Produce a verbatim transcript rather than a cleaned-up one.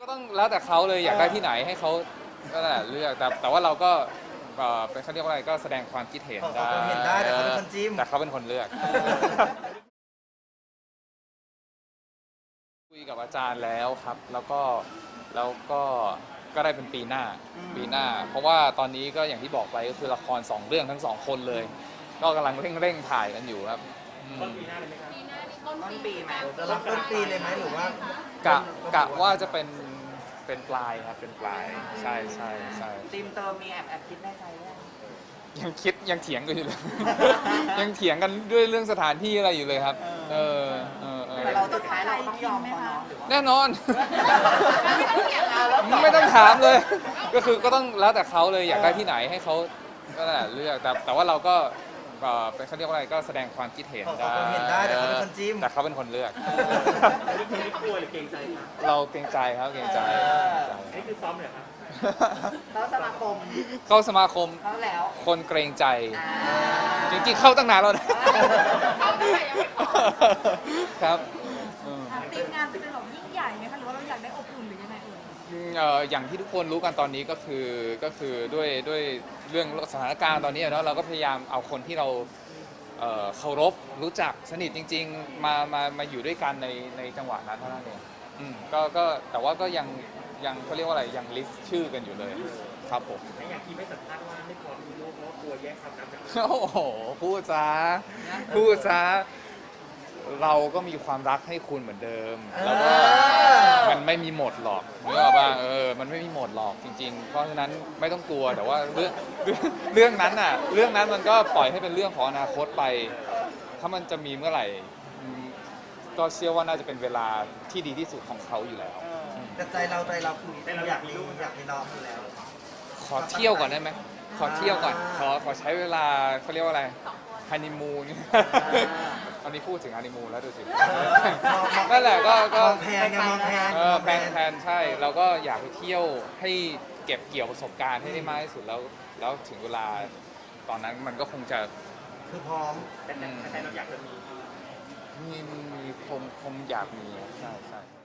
ก็ต้องแล้วแต่เขาเลยอยากได้ที่ไหนให้เขาก็แหละเลือกแต่แต่ว่าเราก็เอ่อเป็นเขาเรียกว่าอะไรก็แสดงความคิดเห็นขอได้ความเห็นได้แต่เขาเป็นคนจิ้มแต่เขาเป็นคนเลือกคุยกับอาจารย์แล้วครับ แล้วก็แล้วก็ก็ได้เป็นปีหน้าปีหน้า เพราะว่าตอนนี้ก็อย่างที่บอกไปก็คือละครสองเรื่องทั้งสองคนเลย ก็กำลังเร่งเร่งถ่ายกันอยู่ครับต้นปีหน้าเลยไหมครับต้นปีไหมจะรับต้นปีเลยไหมหรือว่ากะกะว่าจะเป็นเป็นปลายครับเป็นปลายใช่ใช่ใช่ทีมเติมมีแอบแอบคิดในใจว่ายังคิดยังเถียงกันอยู่เลย ยังเถียงกันด้วยเรื่องสถานที่อะไรอยู่เลยครับ เออเออเออแต่เราสุดท้ายเราต้องยอมเขาเนาะแน่นอน ไม่ต้องถามเลย ก็คือก็ต้องแล้วแต่เขาเลยอยากได้ที่ไหนให้เขาก็แหละเลือกแต่แต่ว่าเราก็เอ่อเป็นเขาเรียกว่าอะไรก็แสดงความคิดเห็นขอได้ความเห็นได้แต่เขาเป็นคนจิ้มแต่เขาเป็นคนเลือกนี่คือไม่กลัวหรือเกรงใจครับเราเกรงใจครับเกรงใจอันนี้คือซ้อมเหรอครับแล้วสมาคมเข้าสมาคมเขาแล้วคนเกรงใจอ่าจริงๆเข้าตั้งนานแล้วนะเข้าตั้งแต่ยังไม่ออกครับอืมทีมงานจะเป็นแบบยิ่งใหญ่ไหมคะหรือว่าเราอยากได้อบอุ่นหรือยังไงเอ่ยเอ่ออย่างที่ทุกคนรู้กันตอนนี้ก็คือก็คือด้วยด้วยเรื่องสถานการณ์ตอนนี้เนาะเราก็พยายามเอาคนที่เราเอ่อเคารพรู้จักสนิทจริง ๆ มามามาอยู่ด้วยกันในในจังหวะนั้นเท่านั้นเองอืมก็ก็แต่ว่าก็ยังยังเขาเรียกว่าอะไรยังลิสต์ชื่อกันอยู่เลยครับผมและอย่างที่ไม่สัมภาษณ์ว่าไม่พร้อมมีลูกเพราะว่ากลัวแย่งความรักจากโอ้โหพูดซะพูดซะเราก็มีความรักให้คุณเหมือนเดิม แล้วก็มันไม่มีหมดหรอกนึกออกป่ะเออมันไม่มีหมดหรอกจริง ๆ เพราะฉะนั้นไม่ต้องกลัวแต่ว่าเรื่องเรื่องเรื่องนั้นน่ะเรื่องนั้นมันก็ปล่อยให้เป็นเรื่องของอนาคตไป ถ้ามันจะมีเมื่อไหร่อืมก็เชื่อว่าน่าจะเป็นเวลาที่ดีที่สุดของเขาอยู่แล้วแต่ใจเราใจเราคืออยากมีอยากมีน้องอยู่แล้วขอเที่ยวก่อนได้ไหมขอเที่ยวก่อนขอขอใช้เวลาเขาเรียกว่าอะไรฮันนีมูนตอนนี้พูดถึงฮันนีมูนแล้วดูสินั่นแหละก็ก็มองแพงไงมองแพงเออแพลนแพลนใช่เราก็อยากไปเที่ยวให้เก็บเกี่ยวประสบการณ์ให้ได้มากที่สุดแล้ว แล้วถึงเวลาตอนนั้นมันก็คงจะคือพร้อมแต่แต่แต่เราอยากจะมีมีมีมีคงคงอยากมีใช่ใช่